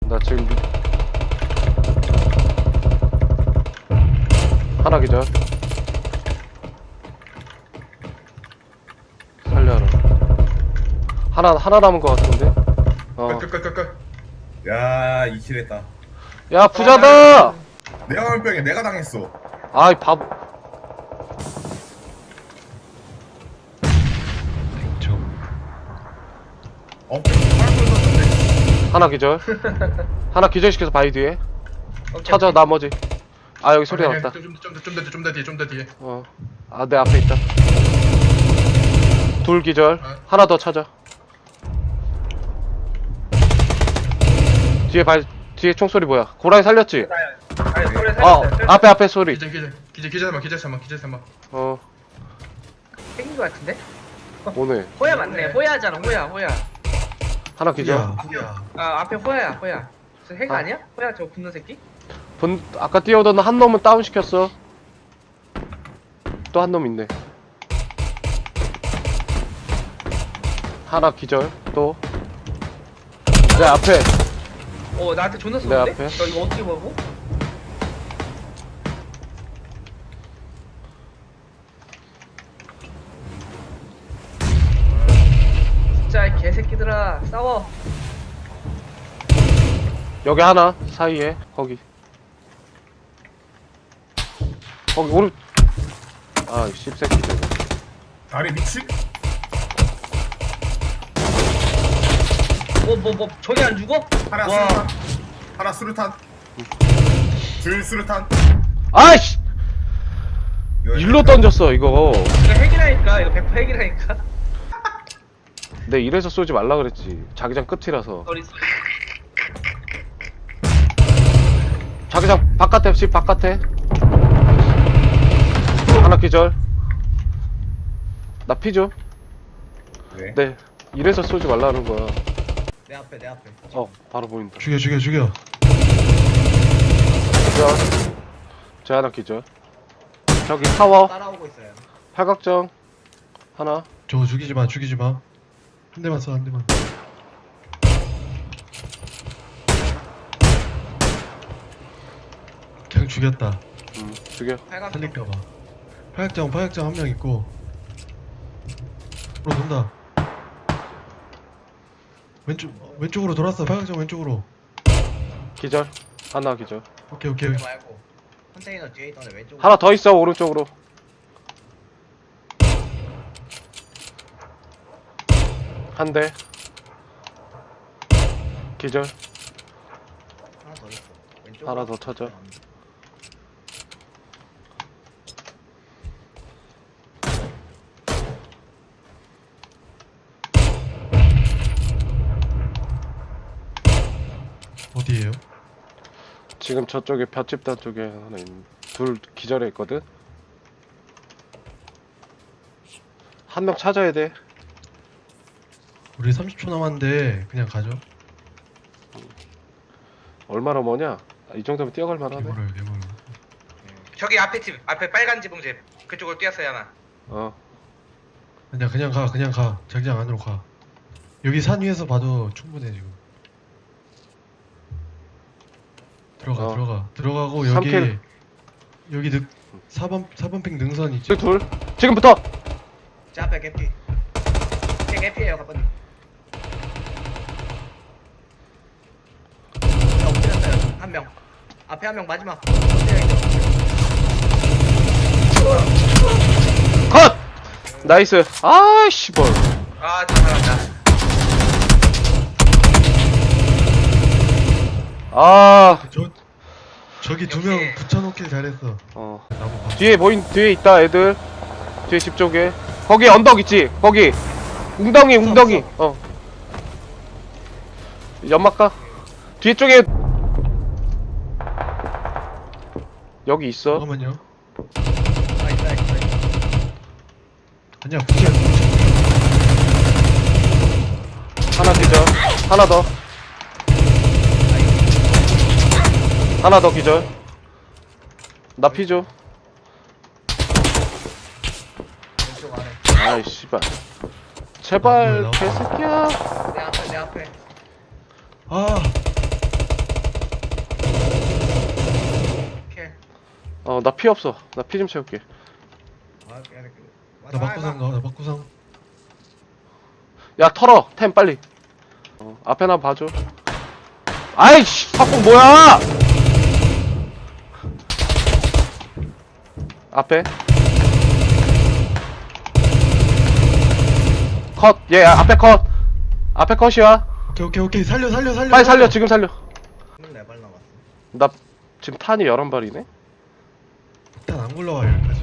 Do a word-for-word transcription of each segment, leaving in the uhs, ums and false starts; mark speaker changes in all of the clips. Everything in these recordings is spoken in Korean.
Speaker 1: 나 지금 하나 기절. 살려라. 하나 하나 남은 것 같은데. 어.
Speaker 2: 끌끌끌끌.
Speaker 3: 야, 이킬했다.
Speaker 1: 야 부자다.
Speaker 3: 내가 월병에 내가 당했어.
Speaker 1: 아이 바보.
Speaker 3: 어? 팔불 던졌네.
Speaker 1: 하나 기절. 하나 기절시켜서 바위 뒤에. 찾아 나머지. 아 여기 소리가 났다.
Speaker 2: 좀좀좀더 뒤에 좀 더 뒤에.
Speaker 1: 어. 아 내 앞에 있다. 둘 기절.
Speaker 2: 어.
Speaker 1: 하나 더 찾아. 뒤에 발 뒤에 총소리 뭐야? 고라니 살렸지?
Speaker 4: 아니 소리
Speaker 1: 어
Speaker 4: 살렸어요.
Speaker 1: 앞에 앞에 소리.
Speaker 2: 기절 기절 기절 기절 삼아 기절 삼아 기절 삼아.
Speaker 1: 어
Speaker 4: 생긴 거 같은데?
Speaker 1: 오네.
Speaker 4: 호야 맞네. 호야잖아. 호야 호야.
Speaker 1: 하나 기절.
Speaker 4: 아 앞에 호야야 호야. 저 핵
Speaker 1: 아.
Speaker 4: 아니야? 호야 저 붙는 새끼?
Speaker 1: 본 아까 뛰어오던 한 놈은 다운 시켰어. 또 한 놈 있네. 하나 기절. 또 내 앞에.
Speaker 4: 어 나한테 존나
Speaker 1: 내
Speaker 4: 쏘는데?
Speaker 1: 앞에.
Speaker 4: 너 이거 어떻게 보고? 진짜 이 개새끼들아 싸워.
Speaker 1: 여기 하나 사이에 거기. 거기 오른. 아 씹새끼들.
Speaker 3: 다리 미친?
Speaker 4: 뭐 뭐 뭐 저기 안 죽어?
Speaker 3: 하나
Speaker 4: 와.
Speaker 3: 수류탄. 하나 수류탄. 둘 수류탄.
Speaker 1: 아이씨.
Speaker 3: 이거
Speaker 1: 일로 던졌어 이거.
Speaker 4: 이거 핵이라니까. 이거 백 퍼센트 핵이라니까.
Speaker 1: 내 이래서 쏘지 말라 그랬지. 자기장 끝이라서.
Speaker 4: 소리 소리.
Speaker 1: 자기장 바깥에 집 바깥에. 하나 기절. 나 피죠?
Speaker 3: 왜?
Speaker 1: 네. 이래서 쏘지 말라는 거야.
Speaker 4: 내 앞에 내 앞에.
Speaker 1: 어 바로 보인다.
Speaker 5: 죽여 죽여 죽여.
Speaker 1: 기절. 제 하나 기절. 저기 타워.
Speaker 4: 따라오고 있어요.
Speaker 1: 팔각정. 하나.
Speaker 5: 저거 죽이지 마 죽이지 마. 한 대만 쏴 한 대만. 그냥 죽였다.
Speaker 1: 음 죽여.
Speaker 4: 팔각.
Speaker 5: 살릴까봐. 파약장 파약장 한 명 있고. 으로 돈다. 왼쪽 왼쪽으로 돌았어. 파약장 왼쪽으로.
Speaker 1: 기절. 하나 기절.
Speaker 5: 오케이 오케이.
Speaker 4: 말고 컨테이너 뒤에 있던 애 왼쪽.
Speaker 1: 하나 더 있어 오른쪽으로. 한 대. 기절.
Speaker 4: 하나 더 있어. 왼쪽.
Speaker 1: 하나 더 찾아.
Speaker 5: 어디에요?
Speaker 1: 지금 저쪽에 볏집단 쪽에 하나 있는. 둘 기절해 있거든. 한 명 찾아야 돼.
Speaker 5: 우리 삼십 초 남았는데 그냥 가죠.
Speaker 1: 얼마나 머냐? 아, 이 정도면 뛰어갈 만하네.
Speaker 5: 개구를 개구를.
Speaker 4: 저기 앞에 집 앞에 빨간 지붕집 그쪽으로 뛰었어요 하나.
Speaker 1: 어.
Speaker 5: 그냥 그냥 가 그냥 가. 자기장 안으로 가. 여기 산 위에서 봐도 충분해 지금. 들어가
Speaker 1: 어.
Speaker 5: 들어가 들어가고
Speaker 1: 삼
Speaker 5: 여기
Speaker 1: 킬.
Speaker 5: 여기 늑 사 번 사 번 핑 능선 있지.
Speaker 1: 저기 둘. 지금부터.
Speaker 4: 제 앞에 개피. 제 개피예요 가빠님. 엎드렸어요 한 명. 앞에 한 명 마지막. 엎드려 있죠.
Speaker 1: 컷. 나이스. 아이씨 뭘.
Speaker 4: 아 잘한다.
Speaker 1: 아.
Speaker 5: 저 저기 두 명
Speaker 4: 역시.
Speaker 5: 붙여놓길 잘했어.
Speaker 1: 어.
Speaker 5: 나무 봐.
Speaker 1: 뒤에 보인 뒤에 있다 애들. 뒤에 집 쪽에. 거기 언덕 있지. 거기. 웅덩이 웅덩이. 어. 연막 가. 뒤에 쪽에 여기 있어.
Speaker 5: 잠깐만요.
Speaker 4: 아 있다 있다.
Speaker 5: 아니야 붙여.
Speaker 1: 하나 기절. 하나 더. 하나 더 기절. 나 피죠.
Speaker 4: 왼쪽 아래.
Speaker 1: 아이 씨발. 제발
Speaker 5: 뭐야,
Speaker 1: 개새끼야.
Speaker 4: 내 앞에 내 앞에.
Speaker 5: 아
Speaker 1: 어, 나 피 없어. 나 피 좀 채울게.
Speaker 3: 아, 빼야 돼.
Speaker 5: 나 막구상 가, 나 막구상.
Speaker 1: 야, 털어. 템 빨리. 어, 앞에 나 봐줘. 아이씨, 팝콘 뭐야? 앞에. 컷. 얘 앞에 컷. 앞에 컷이야.
Speaker 5: 오케이 오케이 오케이 살려 살려 살려.
Speaker 1: 빨리 살려. 지금 살려.
Speaker 3: 스물네 발 남았어.
Speaker 1: 나 지금 탄이 열한 발이네.
Speaker 5: 일단 안 굴러와 여기까지.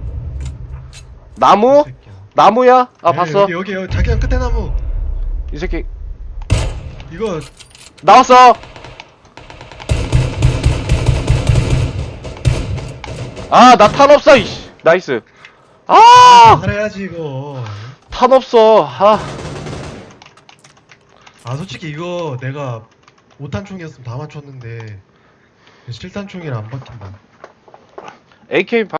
Speaker 1: 나무?
Speaker 5: 이 새끼야.
Speaker 1: 나무야? 아,
Speaker 5: 네,
Speaker 1: 봤어.
Speaker 5: 여기 여기 여기 자기장 끝에 나무.
Speaker 1: 이 새끼
Speaker 5: 이거
Speaker 1: 나왔어. 아, 나 탄 없어. 이씨. 나이스. 아!
Speaker 5: 잘해야지 이거.
Speaker 1: 탄 없어. 아.
Speaker 5: 아 솔직히 이거 내가 오 탄 총이었으면 다 맞췄는데 칠 탄 총이라 안 박힌다.
Speaker 1: 에이케이